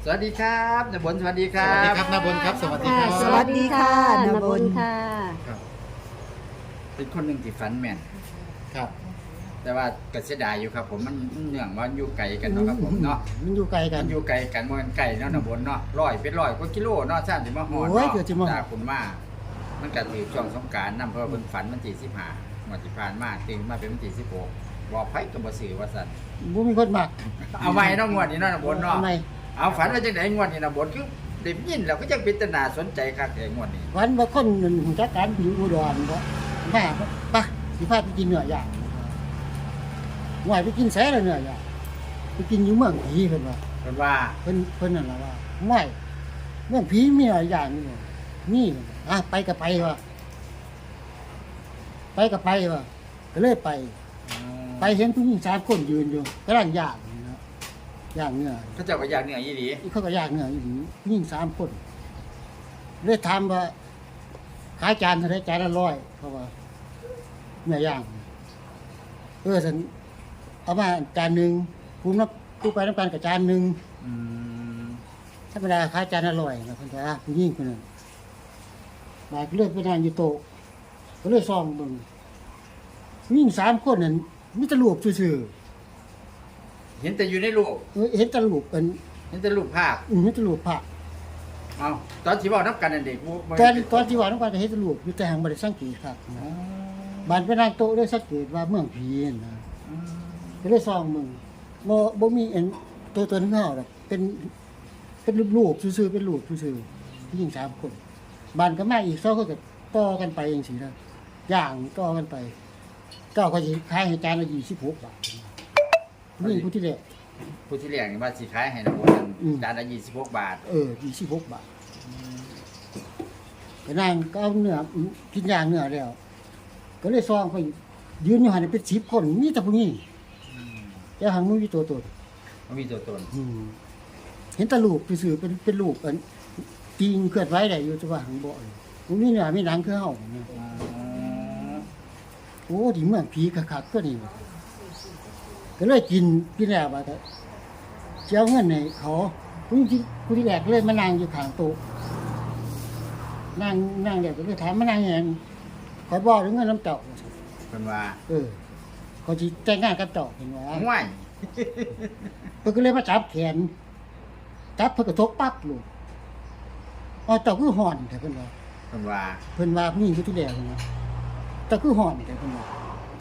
สวัสดีครับนบลสวัสดีครัสวัสดีบครับนาบนครับสวัสดีครับสวัสดีค่ะนบลค่ะครับเป็นคนหนึ่งที่ฝันแม่นครับแต่ว่าก็เสียดายอยู่ครับผมมันเนื่องว่าอยู่ไกลกันเนาะครับผมเนาะมันอยู่ไกลกัมัน นอยู่ไกลกันมันไกลเนาะนบลเนาะร้อยกว่ากิโลเนาะชาติมาฮอดโอ้ยเนาะเกือบจะมาฮอดจากคุณมามันก็ถือช่วงสงกรานต์นำเพราะว่าเพิ่นฝันวันที่15วันที่ผ่านมาตื่นมาเป็นวันที่16บอกไผก็บ่ซื้อว่าซั่นบ่มีคนมักเอาไว้เนาะงวดนี้เนาะนบลเนาะทำไมเอาฝันว่าจังได๋งวดนี้นบลคือได้ยินแล้วก็จังเป็นตาน่าสนใจคักไอ้งวดนี้วันว่าคนหูจักกันอยู่อุดรบ่แม่ปะสิพาไปกินเนื้อย่างหวยไปกินแซ่แล้วเนื้อย่างไปกินอยู่เมืองผีเพิ่นว่าเพิ่นว่าเพิ่นนั่นล่ะว่าไม่เมืองผีมีหลายอย่างนี่นี่ไปก็ไปว่ะไปก็ไปว่ะก็เลยไป ไปเห็นผู้หญิง3คนยืนอยู่กำลังย่างนะย่างเนื้อเขาเจ้าก็อยากเหนื่อยอีหลีเขาก็ย่างเนื้ออยู่นี่ผู้หญิง3คนเลยถามว่าขายจานเท่าไหร่จานละ100เขาว่าเนื้อย่างฉันเอามาจานหนึงกูนับกูไปน้ำกันกับจานหนึงอืมธรรมดาขายจานละ100นะเพิ่นว่าผู้หญิงคนนั้นมาก็เลยไปนั่งอยู่โต๊ะก็เลยซ่อมเบิ่งผู้หญิง3คนนั้นมีแต่รูปซื่อเห็นแต่อยู่ในรูปๆเห็นแต่รูปเป็นเห็นแต่รูปภาพมีแต่รูปพระเอาตอนที่เว้านับกันนั่นเด็กบ่ตอนที่ว่าน้องปานก็เห็นแต่รูปอยู่แต่หังบ่ได้สังเกตครับนะบ้านไปนั่งโต๊ะได้สังเกตว่าเมืองผีนะอืมก็เลยส่องมึงบ่มีอันตัวนึงเฮาดอกเป็นรูปซื่อๆเป็นรูปซื่อๆผู้หญิง3คนบ้านก็มาอีก2คนก็ต่อกันไปจังซี่นะย่างต่อกันไปเจ้าก็สิขายให้จานละ26 บาทนี่ผู้ที่แรกผู้ที่เลี้ยงนี่ว่าสิขายให้นะบ่นั่นอืมจานละ26 บาท 26 บาทก็นั่งก็เอาเนื้อกินย่างเนื้อแล้วก็เลยส่องไปยืนอยู่หั่นเป็น10คนมีแต่ผู้หญิงแต่หังบ่มีตัวตนมันมีตัวตนเห็นแตะลูกซื่อๆเป็นลูกอันจริงเคลื่อนไหวได้อยู่แต่ว่าหังบ่เลยผมนี่เนี่ยมีหนังคือเฮาเนี่ยอ๋อโอ้ที่เมืองผีคักๆตัวนี้ว่ะก็เลยกินแล้วว่าแต่สิเอาเงินให้เขาผู้ที่แรกเลยมานั่งอยู่ข้างโต๊ะนั่งแล้วก็เลยถามมานั่งหยังขอยบอกเงินน้ำเจ้าเพิ่นว่าเขาสิแต่งงานกับเจ้าเห็นว่าห่วยเพิ่นก็เลยมาจับแขนจับเพิ่นก็ทกปั๊บลูกอ๋อเจ้าคือห่อนแต่เพิ่นว่าเพิ่นว่าเพิ่นว่าผู้หญิงผู้ที่แดงนะแต่คือห่อนแต่เพิ่นว่า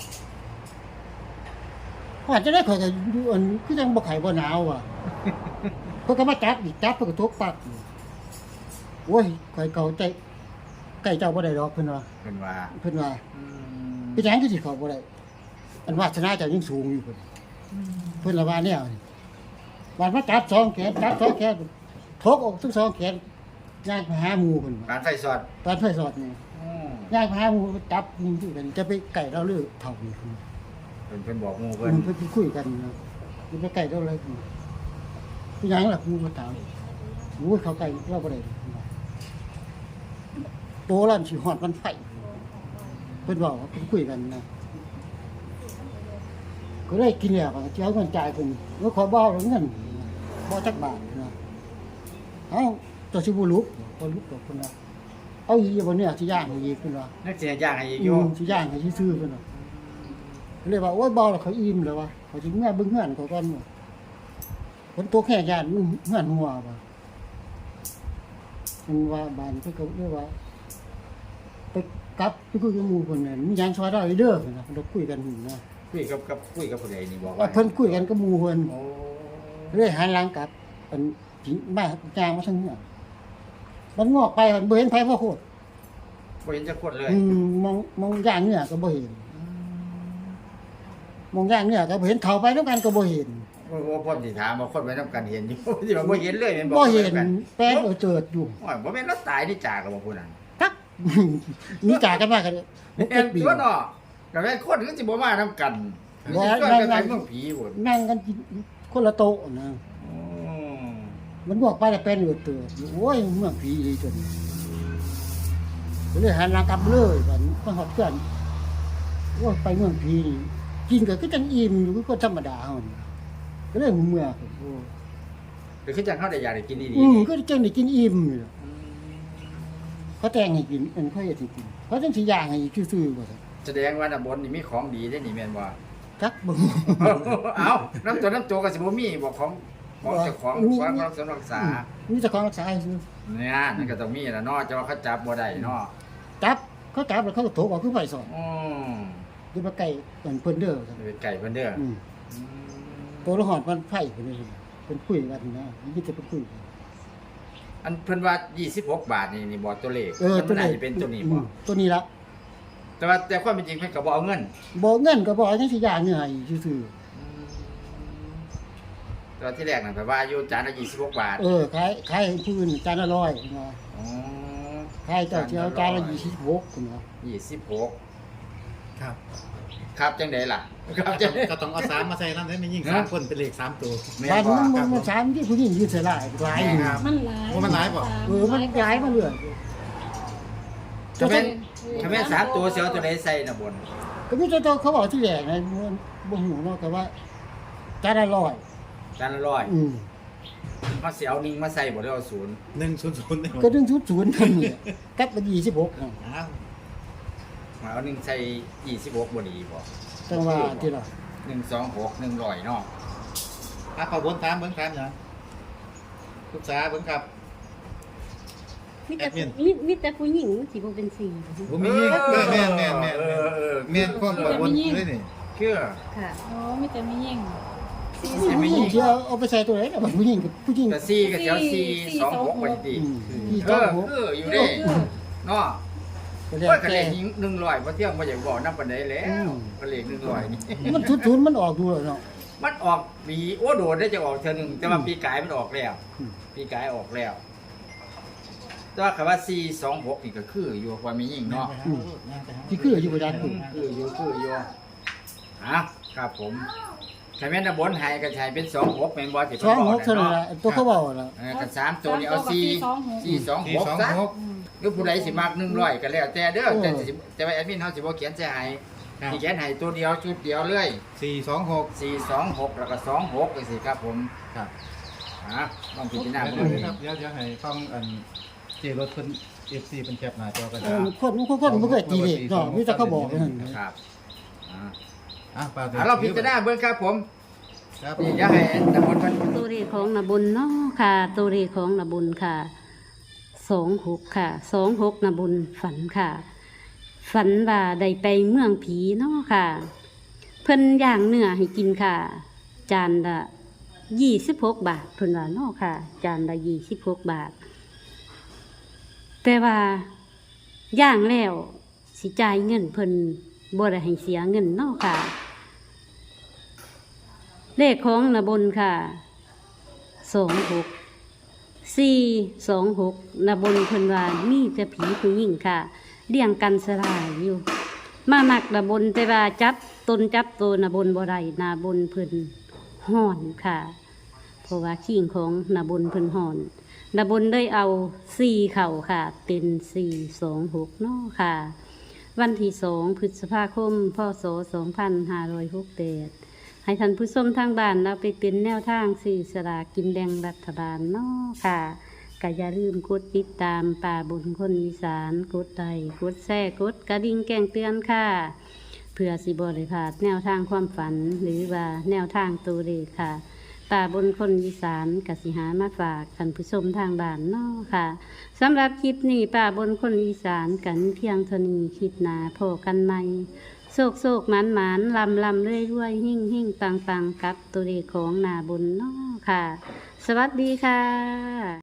ห่อนจะได้ข่อยก็อยู่อันคือจังบ่ไข้บ่หนาวว่ะ เพิ่นก็มาจับอีกจับเพิ่นก็ทกปักอยู่โอ้ยข่อยเก่าใจใกล้เจ้าบ่ได้ดอกเพิ่นว่าเพิ่นว่าเพิ่นว่าอืมเป็นหยังคือสิเข้าบ่ได้อันวาสนาเจ้ายังสูงอยู่เพิ่นละว่าแนวนี่บาดมาจับ2แขนจับ2แขนทกออกทั้ง2แขนย่างไปหาหมู่เพิ่นว่าการไฟสอดตอนไฟสอดนี่อืมย่างพาหมูจับมึงที่กันจะไปไก่เราเลือกเท่านี้คุณเพิ่นบอกหมู่เพิ่เพิ่นนคุยกันนะจะไปไก่เราอะไรคุณพี่ยังล่ะคุณมาถามโอ้ยเขาไก่เราบ่ได้โตแล้วสิฮอดมันไฟเพิ่นบอกว่าเพิ่นคุยกันนะก็เลยกินแล้วก็สิเอาเงินจ่ายเพิ่นแล้วขอบ่เอาเงินบ่จักบาทนะเอ้าตัวสิบ่ลุกบ่ลุกดอกเพิ่นว่าเอาอีบ่เนี่ยสิย่างให้อีกเพิ่นว่านักสิย่างให้อีกอยู่สิย่างให้ซื่อๆเพิ่นน่ะเลยว่าโอ้ยบ่แล้วเขาอิ่มแล้ววะเขาสิเมื่อเบิ่งเฮือนเขาก่อนว่าเพิ่นตกแค่ย่านเฮือนหัวว่าเพิ่นว่าบ้านเพิ่นก็เรียกว่าไปกลับไปคุยกับหมู่เพิ่นน่ะมีหยังซอยได้เด้อเพิ่นน่ะเพิ่นก็คุยกันอยู่นะคุยกับผู้ใดนี่บอกว่าว่าเพิ่นคุยกันกับหมู่เพิ่นโอ้เลยหันหลังกลับเพิ่นสิมาย่างมาทางเฮือนมันงอกไปมันบ่เห็นไผพ่อโคตรบ่เห็นจักคนเลยมองย่างเนื้อก็บ่เห็นมองย่างเนื้อก็บ่เห็นเข้าไปนำกันก็บ่เห็นว่าพ่นสิถามว่าคนไว้นํกันเห็นอยู่ สิว่าบ่เห็นเลยแม่นบ่เห็นกันแป้งเจิดอยู่โอ้ยบ่แม่นเราตายนี่จากกับบ่ผู้นั้นตัก มีจ่ากันมากันแม่นตัวเนาะก็แม่นคนคือสิบ่มานํกันสิชวนกันไปเมืองผีพุ่นนั่งกันกินคนละโต๊ะนะอืมมันบอกไปแล้วแป้งเจิดอยู่โอ้ยเมืองผีอีจนก็เลยหันหลังกลับเลยบัดนี้มาฮอดเพื่อนโอ้ยไปเมืองผีนี่กินก็คือจังอิ่มอยู่คือคนธรรมดาเฮานี่ก็เลยหูเมื่อโอ้หรือคือจังเขาได้อยากได้กินดีก็จังได้กินอิ่มนี่ล่ะๆเขาแต่งให้กินเขาเฮ็ดให้กินเขาจังสิย่างให้ซื่อๆบ่ซั่นแสดงว่าน้ำบนนี่มีของดีได้นี่แม่นบ่จักบ่เอ้าน้ำตัวก็สิบ่มีบ่ของเจ้าของของรักษารักษามีแต่ของรักษาซื่อเนี่ยนั่นก็ต้องมีแหละเนาะจะว่าเขาจับบ่ได้เนาะจับเขาจับแล้วเขาก็โถออกคือไฟสอนอืมอยู่บ่ไกลเพิ่นเด้อซั่นเป็นไก่เพิ่นเด้ออืมตัวละหอดมันไฟเพิ่นนี่เพิ่นคุยกันนะนี่จะเพิ่นคุยกันอันเพิ่นว่า26 บาทนี่บ่ตัวเลขตัวมันน่านี้จะเป็นตัวนี้อืบ่มตัวนี้ละแต่ความเป็นจริงเพิ่นก็บ่เอาเงินบ่เงินก็บ่จังสิย่างเนื้อให้ซื่อตัวที่แรกน่ะแปลว่าอยู่จานละ26 บาทๆขายให้ผู้อื่นจานละ100เนาะอ๋อขายเจ้าเจียวจานละ26เนาะ 26 ครับครับจังได๋ล่ะครับจังได๋ก็ต้องเอา3มาใส่นำได้ไม่ยิ่งฮะ 3คนเป็นเลข3ตัวแม่บานบ่มันสามที่ผู้หญิงยืนเสียหลายหลายอยู่ครับมันหลายว่ามันหลายบ่มันย้ายมาเรื่อยถ้าแม่น3ตัวสิเอาตัวใดใส่น่ะบนก็มีแต่เขาบอกที่แรกนะบ่ฮู้เนาะแต่ว่าจานละ100 จานละ100 อืมมาสิเอา1มาใส่บ่ได้เอา0 100นี่ก็ดึง00นั่นนี่กับ26นะอ้าวมาเอา1ใส่26บ่ดีบ่จังว่าที่ละ 126 100เนาะอ่ะขอบนถามเบิ่งถามหยังปรึกษาเบิ่งครับมีแต่แอดมินมีแต่ผู้หญิงสิบ่เป็นสี่บ่มียิ่งแม่นแม่นความบ่บนเลยนี่คือค่ะอ๋อมีแต่ไม่ยิ่งผู้หญิงที่เอาไปใส่ตัวไหนน่ะผู้หญิงกับผู้หญิงก็4ก็สิเอา4 26บ่ดีที่เอต้ออง คืออยู่เด้เนาะก็แล้วว่าก็เลแต่ข100บ่เที่ยงบ่อยากบอกนำปานใดแล้วอืมก็เลข100นี่มันทุนมันออกดูแล้วเนาะมันออกปีโอ้โดดได้จะออกเทื่อหนึงแต่ว่าปีกายมันออกแล้วอืมปีกายออกแล้ว แต่ว่าคำว่า426นี่ก็คืออยู่ว่ามียิ่งเนาะที่คืออยู่บ่ได้คือคืออยู่อ่ะครับผมใครแม่นบนให้ก็ใช้เป็น26แม่นบ่ที่สเพิ่อน งบอกหกเท่านั้นเนาะล่ะตัวเขาบอกล่ะกับ3ตัวนี้เอา426ซะ 426 หรือผู้ใดสิมัก100ก็แล้วแต่เด้อแต่ว่าแอดมินเฮาสิบ่เขียนใส่ให้ครับสิเขียนให้ตัวเดียวชุดเดียวเลย 426 426แล้วก็26จังซี่ครับผมครับลองพิจารณาเดี๋เบิ่งยวดูครับเดี๋ยวให้ฟังอันเจรถเพิ่น FC เพิ่นแคปหน้าจอกันคนบ่เคยตีเลขเนาะมีแต่เขาบอกนั่นครับอ่าป้าเราพิจารณาเบิ่งครับผมครับนี่อย่าให้ตำบลเพิ่นตัวเลขของนบุญเนาะค่ะ ตัวเลขของนบุญค่ะ26ค่ะ26นบุญฝันค่ะ ฝันว่าได้ไปเมืองผีเนาะค่ะ เพิ่นย่างเนื้อให้กินค่ะ จานละ26 บาทเพิ่นว่าเนาะค่ะ จานละ26 บาท แต่ว่าย่างแล้วสิจ่ายเงินเพิ่นบ่ได้ให้เสียเงินเนาะค่ะ เลขของนบนค่ะ26 นบนเพิ่นว่ามีแต่ผีผู้หญิงค่ะเลี้ยงกันสลายอยู่ มามักนบนแต่ว่าจับตัวนบนบ่ได้นบนเพิ่นห่อนค่ะ เพราะว่าขิงของนบนเพิ่นห่อนนบนได้เอา4เข่าค่ะ เป็น426เนาะค่ะ วันที่2 พฤษภาคม พศ 2568 ให้ท่านผู้ชมทางบ้านเราไปเป็นแนวทางสื่อสลากกินแบ่งรัฐบาลเนาะค่ะก็อย่าลืมกดติดตามป่าบุญคนอีสานกดไลค์กดแชร์กดกระดิ่งแจ้งเตือนค่ะเพื่อสิบ่ได้พลาดแนวทางความฝันหรือว่าแนวทางตัวเลขค่ะป่าบุญคนอีสานกสิหามาฝากท่านผู้ชมทางบ้านเนาะค่ะสำหรับคลิปนี้ป่าบุญคนอีสานกันเพียงเท่านี้คลิปหน้าพบกันใหม่ โศกโศกหมานหมานลำลำเรื่อยเรื่อยหิ่งหิ่งปังปังกับตัวเลขของนาบุญเนาะค่ะ สวัสดีค่ะ